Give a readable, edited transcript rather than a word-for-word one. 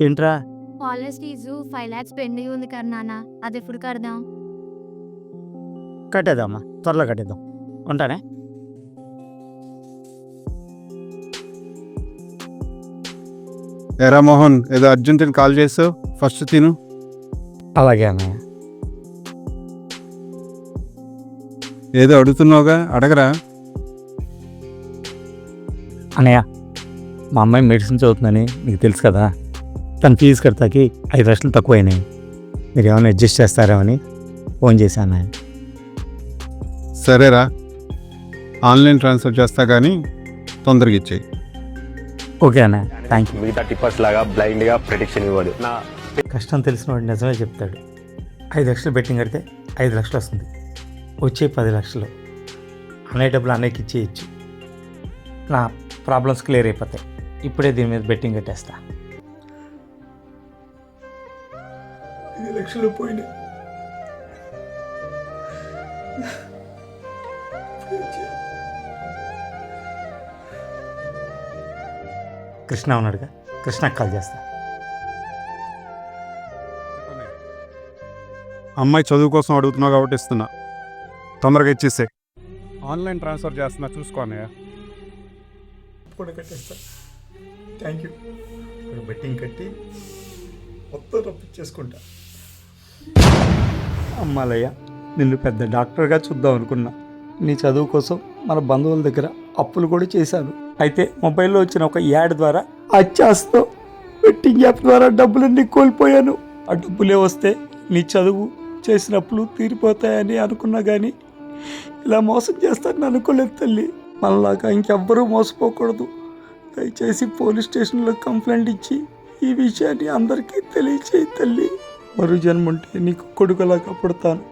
ఏంట్రా? College fee 5 lakhs pending ఉంది కదా నాన్న, అది ఎప్పుడు కడదాం? కట్టేద్దామా, త్వరలో కట్టేద్దాం. ఉంటానే. ఎరా మోహన్, ఏదో అర్జెంటుని కాల్ చేసావు, ఫస్ట్ తిను. అలాగే అన్నయ్య. ఏదో అడుగుతున్నావుగా, అడగరా. అన్నయ్య, మా అమ్మాయి మెడిసిన్ చదువుతుందని మీకు తెలుసు కదా. తన ఫీజు కడతాకి 5 లక్షలు తక్కువైనాయి. మీరు ఏమైనా అడ్జస్ట్ చేస్తారేమని ఫోన్ చేశాను అన్నయ్య. సరేరా, ఆన్లైన్ ట్రాన్స్ఫర్ చేస్తా కానీ తొందరగా ఇచ్చేయి. ఓకే అన్నయ్య, థ్యాంక్ యూ. మిగతా టిప్పర్స్ లాగా బ్లైండ్గా ప్రిడిక్షన్ ఇవ్వదు. నా కష్టం తెలిసిన వాడు నిజమే చెప్తాడు. 5 లక్షలు బెట్టింగ్ కడితే 5 లక్షలు వస్తుంది. వచ్చే 10 లక్షలు అన్నయ్య డబ్బులు అన్నయ్యకి ఇచ్చేయచ్చు. నా ప్రాబ్లమ్స్ క్లియర్ అయిపోతాయి. ఇప్పుడే దీని మీద బెట్టింగ్ కట్టేస్తా. 5 లక్షలు పోయినాయి. కృష్ణ ఉన్నాడుగా, కృష్ణకి కాల్ చేస్తా. అమ్మాయి చదువు కోసం అడుగుతున్నావు కాబట్టి ఇస్తున్నా, తొందరగా ఇచ్చేసే. ఆన్లైన్ ట్రాన్స్ఫర్ చేస్తున్నా, చూసుకో అన్నయ్య. కూడా కట్టేస్తా. Thank you. ఇప్పుడు బెట్టింగ్ కట్టి మొత్తం రప్పించేసుకుంటా. అమ్మాలయ్య, నిన్ను పెద్ద డాక్టర్గా చూద్దాం అనుకున్నా. నీ చదువు కోసం మన బంధువుల దగ్గర అప్పులు కూడా చేశాను. అయితే మొబైల్లో వచ్చిన ఒక యాడ్ ద్వారా అచ్చాస్తో బెట్టింగ్ యాప్ ద్వారా డబ్బులన్నీ కోల్పోయాను. ఆ డబ్బులే వస్తే నీ చదువు చేసిన అప్పులు తీరిపోతాయని అనుకున్నా, కానీ ఇలా మోసం చేస్తానని అనుకోలేదు తల్లి. మనలాగా ఇంకెవ్వరూ మోసపోకూడదు. దయచేసి పోలీస్ స్టేషన్లో కంప్లైంట్ ఇచ్చి ఈ విషయాన్ని అందరికీ తెలియచేయి తల్లి. మరో జన్మంటే నీకు కొడుకులాగా పుడతాను.